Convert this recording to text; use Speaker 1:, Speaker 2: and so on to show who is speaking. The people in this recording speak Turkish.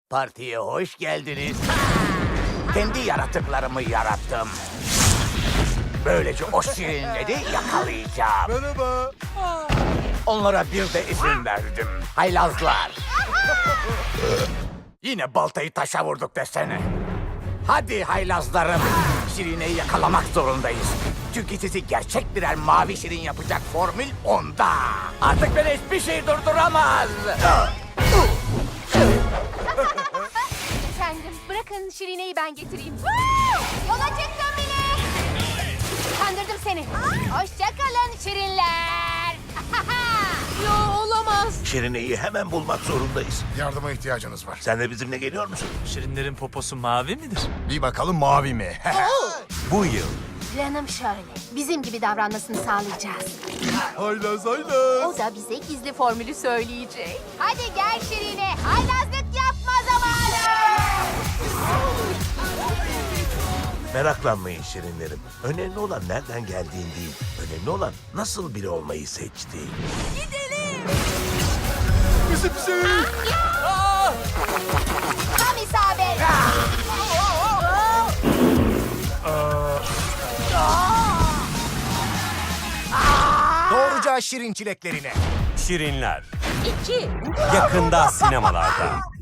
Speaker 1: Partiye hoş geldiniz. Kendi yaratıklarımı yarattım. Böylece o şirinleri yakalayacağım.
Speaker 2: Merhaba.
Speaker 1: Onlara bir de izin verdim. Haylazlar. Yine baltayı taşa vurduk desene. Hadi haylazlarım. Şirineyi yakalamak zorundayız. Çünkü sizi gerçek birer mavi şirin yapacak formül onda. Artık beni hiçbir şey durduramaz.
Speaker 3: Efendim, bırakın Şirine'yi ben getireyim. Yola çıktım bile. Kandırdım seni. Hoşça kalın Şirinler. Yo, olamaz.
Speaker 4: Şirine'yi hemen bulmak zorundayız.
Speaker 2: Yardıma ihtiyacınız var.
Speaker 4: Sen de bizimle geliyor musun?
Speaker 5: Şirinlerin poposu mavi midir?
Speaker 2: Bir bakalım mavi mi?
Speaker 4: Bu yıl.
Speaker 3: Planım şöyle. Bizim gibi davranmasını sağlayacağız.
Speaker 2: Haylaz haylaz.
Speaker 3: O da bize gizli formülü söyleyecek. Hadi gel Şirine. Haylazlık yapma zamanı.
Speaker 4: Meraklanmayın Şirinlerim. Önemli olan nereden geldiğin değil. Önemli olan nasıl biri olmayı seçtiğin.
Speaker 2: Bizi.
Speaker 3: Tam isabet.
Speaker 2: Doğruca şirin çileklerine.
Speaker 6: Şirinler.
Speaker 3: 2.
Speaker 6: Yakında sinemalarda.